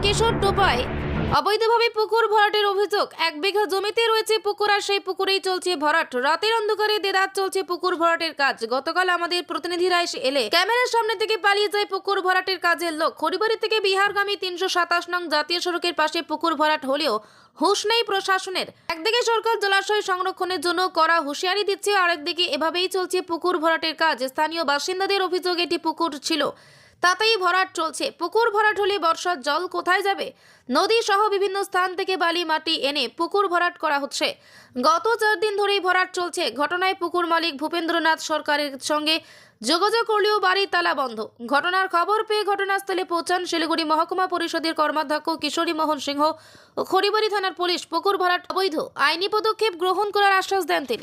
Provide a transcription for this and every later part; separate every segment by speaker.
Speaker 1: কিশোর টোপায় অবৈধভাবে পুকুর ভরাটের অভিযোগ। 1 বিঘা জমিতে রয়েছে পুকুর আর সেই পুকুরেই চলছে ভরাট। রাতের অন্ধকারে দেদার চলছে পুকুর ভরাটের কাজ। গতকাল আমাদের প্রতিনিধিরা এলে ক্যামেরার সামনে থেকে পালিয়ে যায় পুকুর ভরাটের কাজের লোক। খড়িবাড়ি থেকে বিহারগামী 327 নং জাতীয় সড়কের পাশে পুকুর ভরাট হলেও হুঁশ নেই প্রশাসনের। একদিকে সরকার জলাশয় সংরক্ষণের জন্য কড়া হুঁশিয়ারি দিচ্ছে, আরেকদিকে এভাবেই চলছে পুকুর ভরাটের কাজ। স্থানীয় বাসিন্দাদের অভিযোগ এটি পুকুর ছিল, তাতেই ভরাট চলছে। পুকুর ভরাট হলে বর্ষার জল কোথায় যাবে? নদী সহ বিভিন্ন স্থান থেকে বালি মাটি এনে পুকুর ভরাট করা হচ্ছে। গত 4 দিন ধরেই ভরাট চলছে। ঘটনায় পুকুর মালিক ভূপেন্দ্রনাথ সরকারের সঙ্গে যোগাযোগ করলেও বাড়ি তালা বন্ধ। ঘটনার খবর পেয়ে ঘটনাস্থলে পৌঁছান শিলিগুড়ি মহকুমা পরিষদের কর্মাধ্যক্ষ কিশোরী মোহন সিংহ ও খড়িবাড়ি থানার পুলিশ। পুকুর ভরাট অবৈধ, আইনি পদক্ষেপ গ্রহণ করার আশ্বাস দেন তিনি।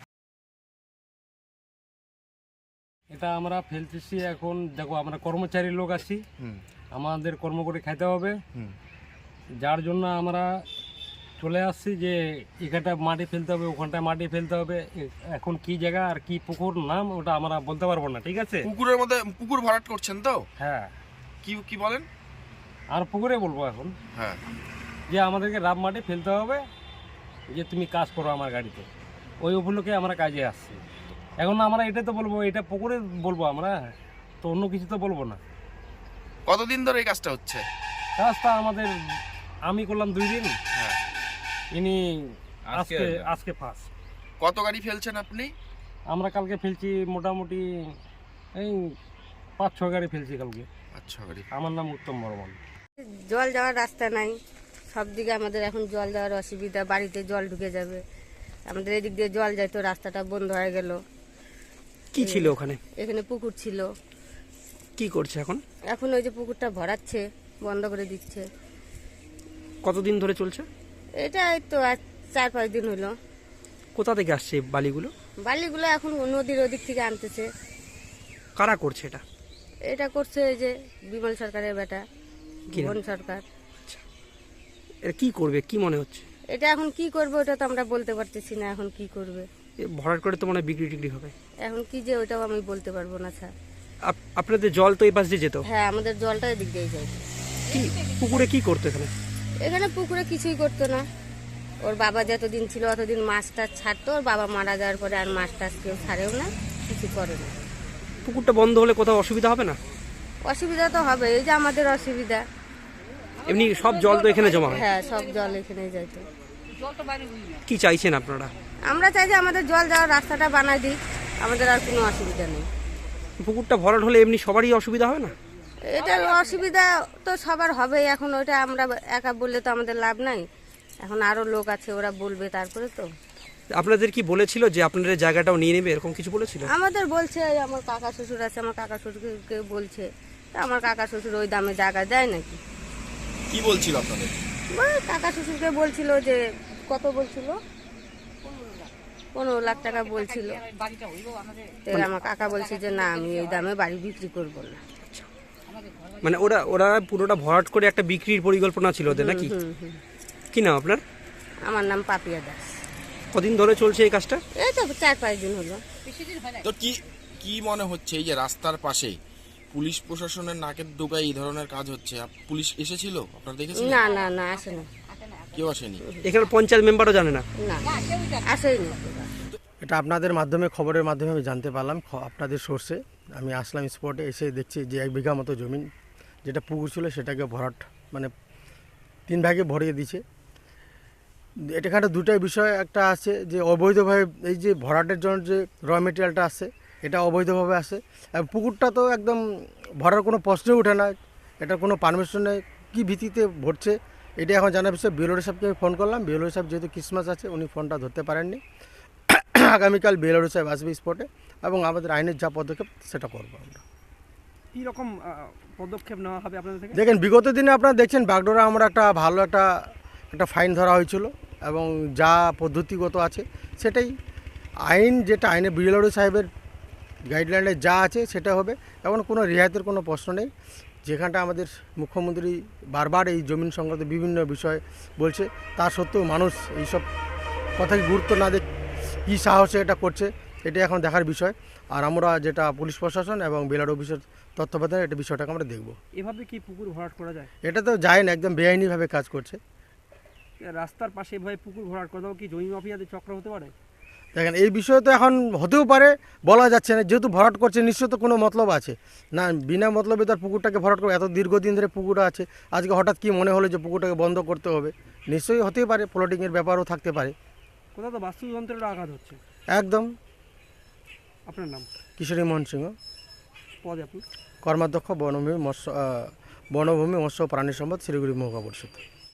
Speaker 2: এটা আমরা ফেলতেছি। এখন দেখো, আমরা কর্মচারী লোক আছি, আমাদের কর্ম করে খাইতে হবে, যার জন্য আমরা চলে আসছি যে এখানটা মাটি ফেলতে হবে, ওখানটায় মাটি ফেলতে হবে। এখন কি জায়গা আর কি পুকুর নাম ওটা আমরা বলতে পারবো না, ঠিক আছে?
Speaker 3: পুকুরের মধ্যে পুকুর ভরাট করছেন তো?
Speaker 2: হ্যাঁ।
Speaker 3: কি কি বলেন?
Speaker 2: আর পুকুরে বলবো এখন,
Speaker 3: হ্যাঁ,
Speaker 2: যে আমাদেরকে রাব মাটি ফেলতে হবে, যে তুমি কাজ করো আমার গাড়িতে। ওই উপলক্ষে আমরা কাজে আসছি। এখন আমরা এটা তো বলবো, এটা পুকুরে বলবো আমরা, তো অন্য কিছু তো বলবো না।
Speaker 3: কতদিন ধরে এই কাজটা হচ্ছে?
Speaker 2: কাজটা আমাদের আমি করলাম 2 দিন,
Speaker 3: হ্যাঁ।
Speaker 2: ইনি আজকে ফার্স্ট।
Speaker 3: কত গাড়ি ফেলছেন আপনি?
Speaker 2: আমরা কালকে ফেলছি মোটামুটি এই 5-6 গাড়ি ফেলছি কালকে।
Speaker 3: আচ্ছা, গাড়ি।
Speaker 2: আমার নাম উত্তম বর্মন।
Speaker 4: জল যাওয়ার রাস্তা নাই, সব দিকে আমাদের এখন জল যাওয়ার অসুবিধা। বাড়িতে জল ঢুকে যাবে, আমাদের এদিক দিয়ে জল যায় তো রাস্তাটা বন্ধ হয়ে গেল।
Speaker 5: কি ছিল ওখানে?
Speaker 4: এখানে পুকুর ছিল।
Speaker 5: কি করছে এখন?
Speaker 4: এখন ওই যে পুকুরটা ভরাচ্ছে, বন্ধ করে দিচ্ছে।
Speaker 5: কতদিন ধরে চলছে
Speaker 4: এটা এই তো আজ 4-5 দিন হলো।
Speaker 5: কোথা থেকে আসছে এই বালিগুলো?
Speaker 4: বালিগুলো এখন নদীর ওদিক থেকে আনতেছে।
Speaker 5: কারা করছে এটা?
Speaker 4: এটা করছে এই যে বিমল সরকারের বেটা
Speaker 5: কি নাম?
Speaker 4: ভুবন সরকার।
Speaker 5: এটা কি করবে কি মনে হচ্ছে?
Speaker 4: এটা এখন কি করবে ওটা তো আমরা বলতে পারতেছি না। এখন কি করবে,
Speaker 5: এ ভরাট করে তো মনে হয় বিক্রি টিক্রি হবে।
Speaker 4: এখন কি যে ওটাও আমি বলতে পারবো না স্যার।
Speaker 5: আপনাদের জল তো এই পাশ দিয়ে যেত?
Speaker 4: হ্যাঁ, আমাদের জলটা এদিক দিয়ে যায়।
Speaker 5: কি পুকুরে কি করতো এখানে?
Speaker 4: এখানে পুকুরে কিছুই করতো না। ওর বাবা যতদিন ছিল অতদিন মাছ টাছ ছাড়তো। ওর বাবা মারা যাওয়ার পরে আর মাছ টাছ কেউ ছাড়েও না, কিছু করে না।
Speaker 5: পুকুরটা বন্ধ হলে কোথাও অসুবিধা হবে না?
Speaker 4: অসুবিধা তো হবে, এই যে আমাদের অসুবিধা।
Speaker 5: এমনি সব জল তো এখানে জমা হয়।
Speaker 4: হ্যাঁ, সব জল এখানে যাইতো।
Speaker 5: কি চাইছেন আপনারা?
Speaker 4: আমরা চাই যে আমাদের জল যাওয়ার রাস্তাটা বানাই দিই, আমাদের আর কোনো অসুবিধা নেই।
Speaker 5: পুকুরটা ভরাট হলে এমনি সবারই অসুবিধা হবে না?
Speaker 4: এটা অসুবিধা তো সবার হবে। এখন ওইটা আমরা একা বললে তো আমাদের লাভ নাই। এখন আরো লোক আছে, ওরা বলবে তারপরে তো।
Speaker 5: আপনাদের কি বলেছিল যে আপনারা জায়গাটাও নিয়ে নেবে, এরকম কিছু বলেছিল?
Speaker 4: আমাদের বলছে, আমার কাকা শ্বশুর আছে, আমার কাকা শ্বশুরকে বলছে। তা আমার কাকা শ্বশুর ওই দামে জায়গা দেয় নাকি?
Speaker 3: কি বলছিল আপনাদের?
Speaker 4: ওই কাকা শ্বশুরকে বলছিল যে কত বলছিল, 15 লাখ টাকা বলছিল। তো আমার কাকা বলছে যে না, আমি এই দামে বাড়ি বিক্রি করবো না।
Speaker 5: মানে ওরা পুরোটা ভরাট করে একটা বিক্রির পরিকল্পনা ছিল ওদের নাকি? কি নাম আপনার?
Speaker 4: আমার নাম পাপিয়া দাস।
Speaker 5: কদিন ধরে চলছে এই কাজটা?
Speaker 4: এই তো 4-5 দিন হলো।
Speaker 3: তো কি কি মনে হচ্ছে এই যে রাস্তার পাশে পুলিশ প্রশাসনের নাকের ডোকায় এই ধরনের কাজ হচ্ছে? পুলিশ এসেছিল, আপনারা দেখেছেন?
Speaker 4: না না না, আসে না।
Speaker 3: কেউ আসেনি?
Speaker 5: এখানে পঞ্চায়েত মেম্বারও জানে না?
Speaker 4: না, আসেই না।
Speaker 6: এটা আপনাদের মাধ্যমে, খবরের মাধ্যমে আমি জানতে পারলাম, আপনাদের সোর্সে। আমি আসলাম স্পটে, এসে দেখছি যে 1 বিঘা মতো জমি যেটা পুকুর ছিল সেটাকে ভরাট, মানে 3 ভাগে ভরিয়ে দিছে। এখানে দুটাই বিষয় একটা আছে যে অবৈধভাবে এই যে ভরাটের জন্য যে র মেটেরিয়ালটা আসছে এটা অবৈধভাবে আসে। আর পুকুরটা তো একদম ভরার কোনো প্রশ্নই ওঠে না, এটার কোনো পারমিশন নেই। কী ভিত্তিতে ভরছে এটা এখন জানার বিষয়। বিএলও সাহেবকে আমি ফোন করলাম। বিএলও সাহেব যেহেতু ক্রিসমাস আছে উনি ফোনটা ধরতে পারেননি। আগামীকাল বিএলও সাহেব আসবে স্পটে এবং আমাদের আইনের যা পদক্ষেপ সেটা করবো আমরা।
Speaker 5: কীরকম পদক্ষেপ নেওয়া হবে আপনাদের থেকে?
Speaker 6: দেখেন, বিগত দিনে আপনারা দেখছেন বাগডোরা আমরা একটা ভালো একটা ফাইন ধরা হয়েছিল এবং যা পদ্ধতিগত আছে সেটাই আইন, যেটা আইনে বিএলও সাহেবের গাইডলাইনে যা আছে সেটা হবে। এখন কোনো রিহাইতের কোনো প্রশ্ন নেই। যেখানটা আমাদের মুখ্যমন্ত্রী বারবার এই জমিন সংক্রান্ত বিভিন্ন বিষয় বলছে, তা সত্ত্বেও মানুষ এইসব কথাকে গুরুত্ব না দিয়ে কী সাহসে এটা করছে এটা এখন দেখার বিষয়। আর আমরা যেটা পুলিশ প্রশাসন এবং বিএলআর অফিসের তত্ত্বাবধানে এটা বিষয়টাকে আমরা দেখব।
Speaker 5: এভাবে কি পুকুর ভরাট করা যায়?
Speaker 6: এটা তো যায় না, একদম বেআইনিভাবে কাজ করছে।
Speaker 5: রাস্তার পাশে এভাবে পুকুর ভরাট করাও কি জমি মাফিয়াদের চক্র হতে পারে?
Speaker 6: দেখেন এই বিষয়ে তো এখন হতেও পারে, বলা যাচ্ছে না। যেহেতু ভরাট করছে নিশ্চয় তো কোনো মতলব আছে না, বিনা মতলবে তার পুকুরটাকে ভরাট করে, এত দীর্ঘদিন ধরে পুকুরটা আছে, আজকে হঠাৎ কি মনে হলো যে পুকুরটাকে বন্ধ করতে হবে? নিশ্চয়ই হতেই পারে, প্লটিংয়ের ব্যাপারও থাকতে পারে।
Speaker 5: কোথাও তো বাস্তুযন্ত্রের আঘাত হচ্ছে।
Speaker 6: একদম।
Speaker 5: আপনার নাম?
Speaker 6: কিশোরী মোহন সিংহ,
Speaker 5: পদে আপনি?
Speaker 6: কর্মাধ্যক্ষ বনভূমি মৎস্য ও প্রাণী সম্পদ শিলিগুড়ি মহকুমা পরিষদ।